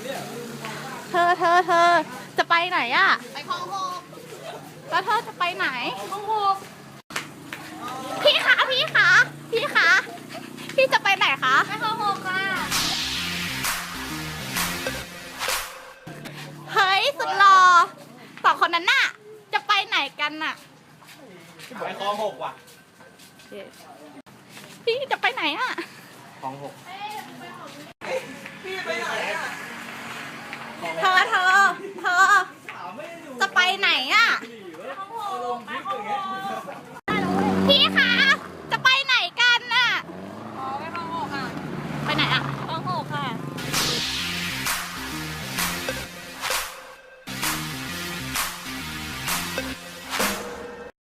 เธอจะไปไหนอะไปคลองหกแล้วเธอจะไปไหนคลองหกพี่จะไปไหนคะไปคลองหกค่ะเฮ้ยสุดหล่อสองคนนั้นน่ะจะไปไหนกันน่ะไปคลองหกว่ะพี่จะไปไหนอะคลองหก